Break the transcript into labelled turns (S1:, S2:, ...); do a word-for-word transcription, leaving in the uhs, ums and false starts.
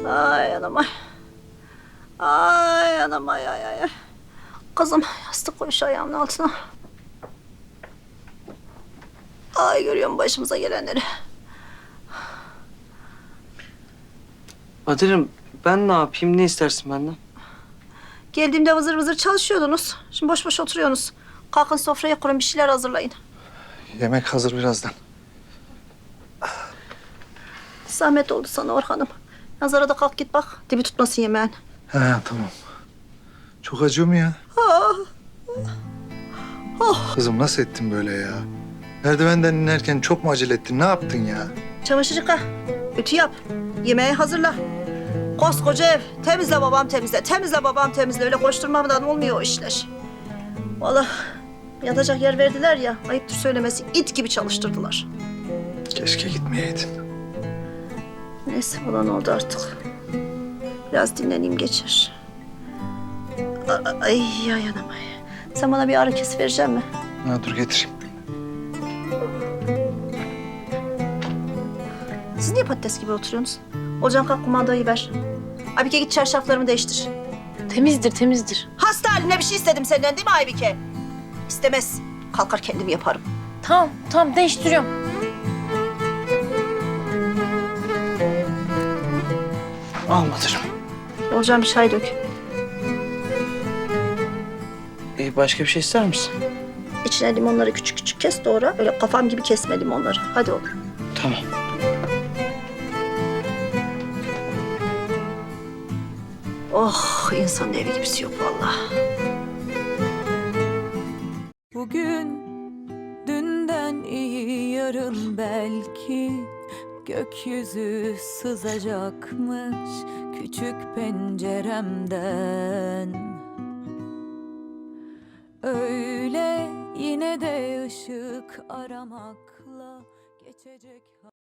S1: Ay anam ay. Ay anam ay ay ay. Kızım yastık koy şu ayağımın altına. Ay görüyor musun başımıza gelenleri?
S2: Kadir'im ben ne yapayım? Ne istersin benden?
S1: Geldiğimde vızır vızır çalışıyordunuz. Şimdi boş boş oturuyorsunuz. Kalkın sofraya kurun bir şeyler hazırlayın.
S3: Yemek hazır birazdan.
S1: Zahmet oldu sana Orhan'ım. Nazara da kalk git bak. Dibi tutmasın yemeğin.
S3: He tamam. Çok acıyor mu ya? Kızım nasıl ettin böyle ya? Merdivenden inerken çok mu acele ettin? Ne yaptın ya?
S1: Çamaşır yıka. Ütü yap. Yemeği hazırla. Koskoca ev. Temizle babam temizle. Temizle babam temizle. Öyle koşturmadan olmuyor o işler. Vallahi yatacak yer verdiler ya. Ayıptır söylemesi. İt gibi çalıştırdılar.
S3: Keşke gitmeyeydin.
S1: Neyse olan oldu artık. Biraz dinleneyim geçer. A- Ay ay anam ay. Sen bana bir ağrı kesi verecek misin?
S3: Ha, dur getireyim.
S1: Siz niye patates gibi oturuyorsunuz? Olcan kalk kumandayı ver. Aybike git çarşaflarımı değiştir.
S4: Temizdir, temizdir.
S1: Hasta haline bir şey istedim senden değil mi Aybike? İstemez. Kalkar kendim yaparım.
S4: Tamam, tamam değiştiriyorum.
S2: Al Kadir'im.
S1: Olcan bir çay dök.
S2: Ee, başka bir şey ister misin?
S1: İçine limonları küçük küçük kes doğra. Öyle kafam gibi kesme limonları. Hadi oğlum.
S2: Tamam.
S1: Oh insanın evi gibisi yok vallahi.
S5: Bugün dünden iyi yarın belki gökyüzü sızacakmış küçük penceremden. Öyle yine de ışık aramakla geçecek.